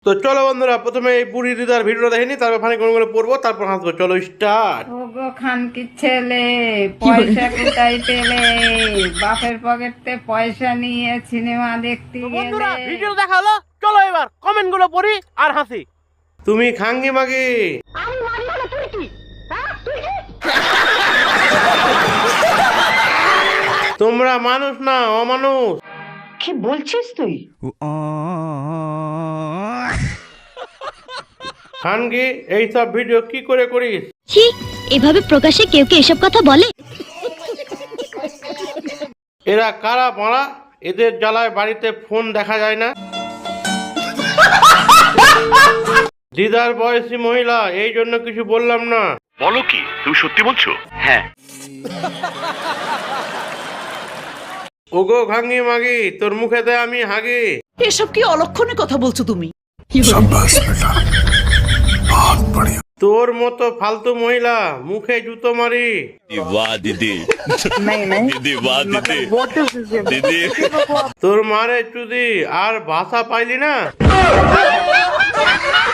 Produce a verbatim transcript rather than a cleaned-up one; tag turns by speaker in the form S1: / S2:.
S1: তো চলো বন্ধুরা, প্রথমে এই বুড়ি দিদার ভিডিওটা দেখে নি, তারপর ফানি কোনগুলো পড়বো, তারপর হাসবো। চলো স্টার্ট।
S2: ওগো খানকির ছেলে, পয়সা কোথায় পেলে? বাপের পকেটে পয়সা নিয়ে সিনেমা দেখতে
S3: বন্ধুরা
S2: গেলে।
S3: ভিডিও দেখা হলো, চলো এবার কমেন্ট গুলো পড়ি আর হাসি।
S1: তুমি খাঙ্গি মাগি, তোমরা মানুষ না অমানুষ।
S4: কি বলছিস তুই?
S1: খানগি, এইসব ভিডিও কি করে করিস?
S5: ছি, এভাবে প্রকাশ্যে কেউ কে এসব কথা বলে?
S1: এরা কারা মারা? এদের জ্বালায় বাড়িতে ফোন দেখা যায় না। দিদার বয়সী মহিলা, এই জন্য কিছু বললাম না।
S6: বলো কি, তুমি সত্যি বলছো? হ্যাঁ।
S1: ওগো খাঙ্গি মাগি, তোর মুখেতে আমি হাগি।
S4: এসব কি অলক্ষণে কথা বলছো তুমি?
S1: তোর মতো ফালতু মহিলা মুখে জুতো মারি।
S7: वाह दीदी दीदी वाह दीदी दीदी
S1: তোর মারে চুদি আর ভাষা পাইলি না।